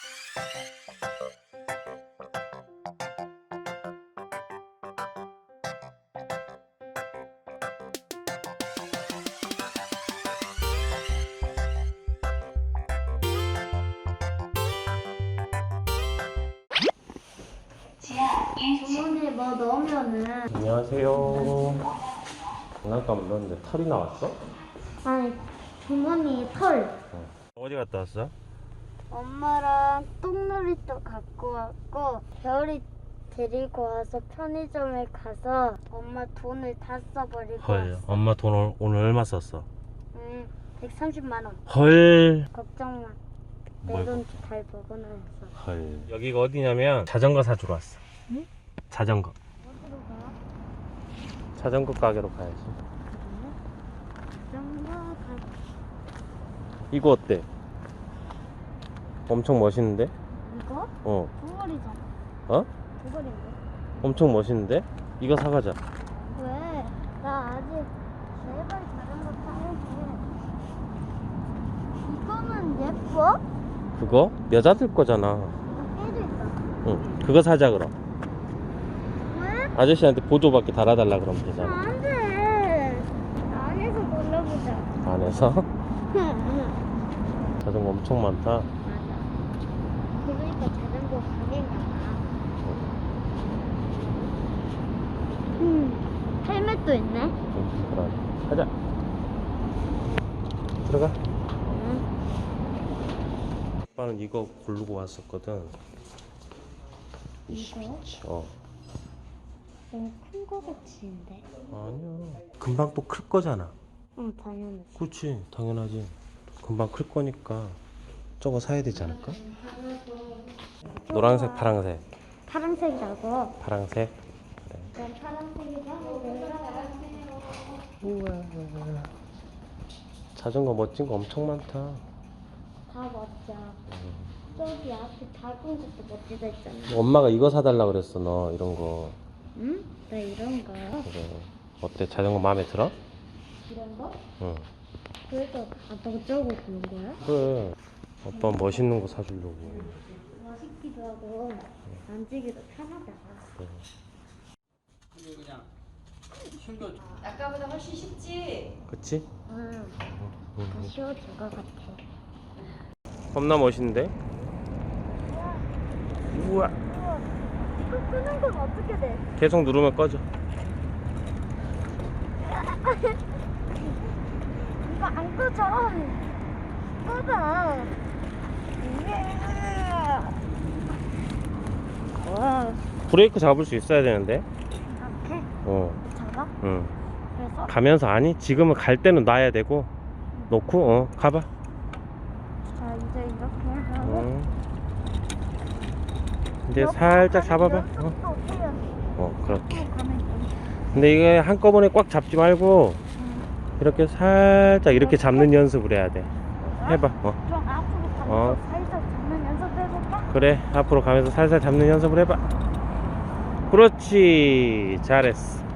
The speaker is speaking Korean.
주머니에 뭐 넣으면은. 안녕하세요. 장난감 넣었는데 털이 나왔어? 아니, 주머니에 털. 어디 갔다 왔어? 엄마랑 똥놀이터 갖고 왔고, 별이 데리고 와서 편의점에 가서 엄마 돈을 다 써버리고 헐, 왔어. 엄마 돈 오늘 얼마 썼어? 130만 원. 헐. 걱정 마. 내 뭘 돈 잘 먹어놨어. 헐. 여기가 어디냐면 자전거 사주러 왔어. 응? 자전거. 어디로 가? 자전거 가게로 가야지. 자전거 이거 어때? 엄청 멋있는데? 이거? 어. 두벌이잖아. 어? 두벌인데? 엄청 멋있는데? 이거 사가자. 왜? 나 아직 제발 자전거 타야지. 이거는 예뻐? 그거? 여자들 거잖아. 이거 깨져 있어. 응. 그거 사자 그럼. 왜? 아저씨한테 보조바퀴 달아달라 그러면 되잖아. 안 돼. 안에서 골라보자. 안에서? 맞아. 자전거 엄청 많다. 그러니까 자전거 가게인가 봐. 헬멧도 있네. 그럼 가자. 들어가. 응. 아빠는 이거 고르고 왔었거든. 이거? 어. 너무 큰 거 같이인데. 아니야. 금방 또 클 거잖아. 응, 당연히. 그렇지. 당연하지. 금방 클 거니까 저거 사야 되지 않을까? 노란색, 파란색. 파란색이라고. 파란색. 그래. 난 파란색이라고. 우와. 자전거 멋진 거 엄청 많다. 다 멋져. 저기 앞에 작은 것도 멋지다 있잖아. 엄마가 이거 사달라 그랬어. 너 이런 거. 응? 나 이런 거. 그래. 어때? 자전거 마음에 들어? 이런 거? 응. 그래도 아빠가 저거 보는 거야? 그래. 아빠 멋있는 거 사주려고. 멋있기도 하고 만지기도 편하다. 그래. 그냥 숨겨. 아까보다 훨씬 쉽지. 그치? 응. 더 쉬워질 것 같아. 겁나 멋있는데? 우와. 이거 끄는 건 어떻게 돼? 계속 누르면 꺼져. 이거 안 꺼져. 꺼져. 와. 브레이크 잡을 수 있어야 되는데. 이렇게 어. 잡아? 응. 그래서 가면서 아니 지금은 갈 때는 놔야 되고 놓고 가봐. 자 이제 이렇게 하고 응. 이제 살짝 잡아봐. 그렇게. 근데 이게 한꺼번에 꽉 잡지 말고 이렇게 살짝 이렇게 잡는 연습을 해야 돼. 해봐. 좀 앞으로 가면서 어. 살짝 잡는 연습 해볼까? 그래. 앞으로 가면서 살살 잡는 연습을 해봐. 그렇지. 잘했어.